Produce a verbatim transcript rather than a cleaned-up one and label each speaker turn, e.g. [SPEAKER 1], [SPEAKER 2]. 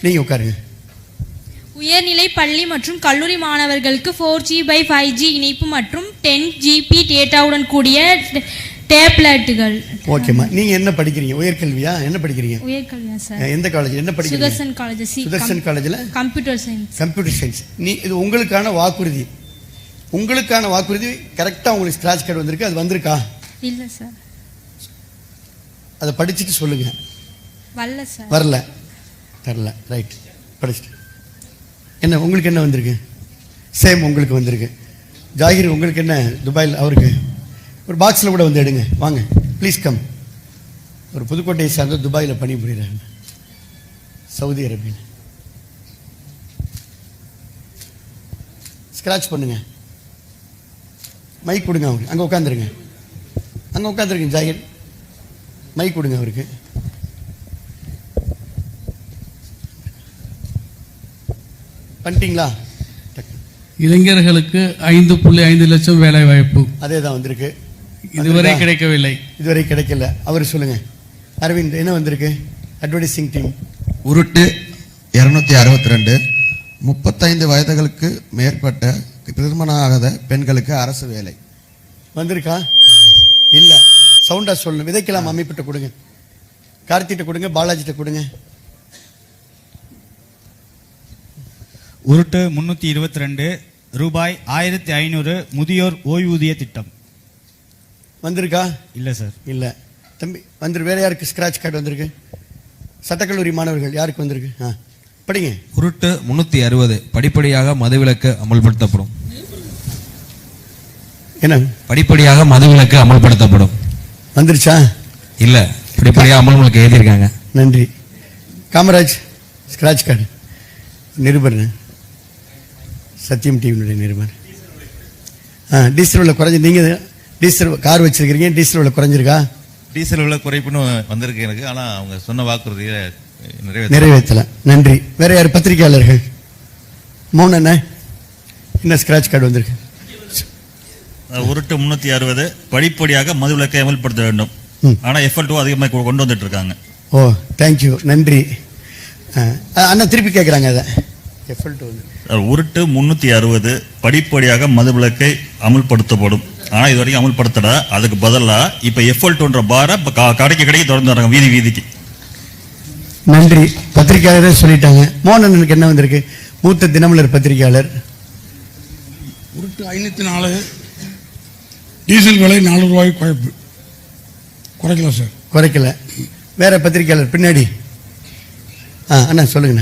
[SPEAKER 1] நீங்க உட்காருங்க.
[SPEAKER 2] உயர்நிலை பள்ளி மற்றும் கல்லூரி மாணவர்களுக்கு four G by five G இணைப்பு மற்றும் டென் ஜிபி டேட்டாவுடன் கூடிய டேப்லெட்டுகள்.
[SPEAKER 1] ஓகேம்மா. நீங்க என்ன படிக்கிறீங்க? உயர்கல்வியா? என்ன படிக்கிறீங்க?
[SPEAKER 2] உயர்கல்வியா சார்.
[SPEAKER 1] எந்த காலேஜ் என்ன படிக்கிறீங்க?
[SPEAKER 2] சுதர்சன் காலேஜ்.
[SPEAKER 1] சுதர்சன் காலேஜ்ல
[SPEAKER 2] கம்ப்யூட்டர் சயின்ஸ்.
[SPEAKER 1] Computer science. நீ இது உங்களுக்கான வாக்குறுதி. உங்களுக்கான வாக்குறுதி கரெக்டா உங்களுக்கு ஸ்கிராட்ச் கார்டு வந்திருக்கு. அது வந்திருக்கா?
[SPEAKER 2] இல்ல சார்.
[SPEAKER 1] அதை படிச்சுட்டு சொல்லுங்க.
[SPEAKER 2] வரல சார்.
[SPEAKER 1] வரல. தரல. ரைட். படிச்சுட்டு என்ன உங்களுக்கு என்ன வந்திருக்கு? சேம் உங்களுக்கு வந்திருக்கு. ஜாகிர் உங்களுக்கு என்ன? துபாயில் அவருக்கு ஒரு பாக்ஸில் கூட வந்து எடுங்க. வாங்க ப்ளீஸ் கம். ஒரு புதுக்கோட்டையை சார்ந்த துபாயில் பணி புரியுறாங்க, சவுதி அரேபியில். ஸ்க்ராட்ச் பண்ணுங்க. மைக் கொடுங்க அவருக்கு. அங்கே உட்காந்துருங்க. அங்கே உட்காந்துருங்க ஜாகிர். மைக் கொடுங்க அவருக்கு. பண்ணிட்டீங்களா?
[SPEAKER 3] இளைஞர்களுக்கு ஐந்து புள்ளி ஐந்து லட்சம் வேலை வாய்ப்பு.
[SPEAKER 1] அதே தான் வந்திருக்கு.
[SPEAKER 3] இதுவரை கிடைக்கவில்லை.
[SPEAKER 1] இதுவரை கிடைக்கல. அவர் சொல்லுங்க. அரவிந்த் என்ன வந்திருக்கு? Advertising team.
[SPEAKER 4] உருட்டு இருநூத்தி அறுபத்தி ரெண்டு முப்பத்தைந்து வயதுகளுக்கு மேற்பட்ட திருமணம் ஆகாத பெண்களுக்கு அரசு வேலை
[SPEAKER 1] வந்திருக்கா? இல்ல. சவுண்டா சொல்லணும். விதைக்கலாம் அமைப்பிட்ட கொடுங்க. கார்த்திட்ட கொடுங்க. பாலாஜிட்ட கொடுங்க.
[SPEAKER 5] உருட்டு முன்னூத்தி இருபத்தி ரெண்டு ரூபாய் ஆயிரத்தி ஐநூறு முதியோர் ஓய்வூதிய திட்டம்
[SPEAKER 1] வந்திருக்கா?
[SPEAKER 5] இல்ல சார்.
[SPEAKER 1] இல்ல தம்பி. வந்து வேற யாருக்கு ஸ்கிராட்ச் கார்டு வந்திருக்கு? சட்டக்கல்லூரி மாணவர்கள் யாருக்கு வந்திருக்கு? ஆ படிங்க.
[SPEAKER 6] உருட்டு முன்னூத்தி அறுபது படிப்படியாக மதுவிலக்கு அமல்படுத்தப்படும்.
[SPEAKER 1] என்ன?
[SPEAKER 6] படிப்படியாக மதுவிலக்கு அமல்படுத்தப்படும்.
[SPEAKER 1] வந்துருச்சா?
[SPEAKER 6] இல்ல, படிப்படியாக அமல்களுக்கு எழுதியிருக்காங்க.
[SPEAKER 1] நன்றி. Kamaraj scratch card. நிருபர் சத்தியம் டிவியினுடைய நிருபர். ஆ டீசல் விலை குறைஞ்சி. நீங்கள் டீசல் கார் வச்சிருக்கிறீங்க. டீசல் விலை குறைஞ்சிருக்கா?
[SPEAKER 7] டீசல் விலை குறைப்புன்னு வந்திருக்கு எனக்கு. ஆனால் அவங்க சொன்ன வாக்குறுதியை
[SPEAKER 1] நிறைவேற்றலை. நன்றி. வேற யார்? பத்திரிகையாளர்கள். மௌன என்ன என்ன ஸ்கிராட்ச் கார்டு வந்திருக்கு?
[SPEAKER 7] உருட்டு முன்னூத்தி அறுபது படிப்படியாக மதுவிலக்கை அமல்படுத்த வேண்டும். ஆனால் எஃப்எல் டூ அதிகமாக கொண்டு வந்துட்டு இருக்காங்க.
[SPEAKER 1] Oh thank you. நன்றி. அண்ணா திருப்பி கேட்குறாங்க. அதை எஃப்எல் டூ வந்து
[SPEAKER 7] உருட்டு முன்னூத்தி அறுபது படிப்படியாக மதுவிலக்கை அமல்படுத்தப்படும். ஆனா இது வரைக்கும் அமல்படுத்தல. அதுக்கு பதிலா இப்ப எஃப்எல் டூன்ற பார கடைக்கு கடைக்கு தொடர்ந்து வராங்க, வீதி வீதிக்கு.
[SPEAKER 1] நன்றி. பத்திரிகையாளரே சொல்லிட்டாங்க. மோகனனுக்கு என்ன வந்திருக்கு? மூத்த தினமலர் பத்திரிகையாளர்.
[SPEAKER 3] உருட்டு ஐநூத்தி நாலு டீசல் விலை நாலு ரூபாய் குறைப்பு. குறைக்கல சார்.
[SPEAKER 1] குறைக்கல. வேற பத்திரிகையாளர் பின்னாடி. ஆ அண்ணா சொல்லுங்க.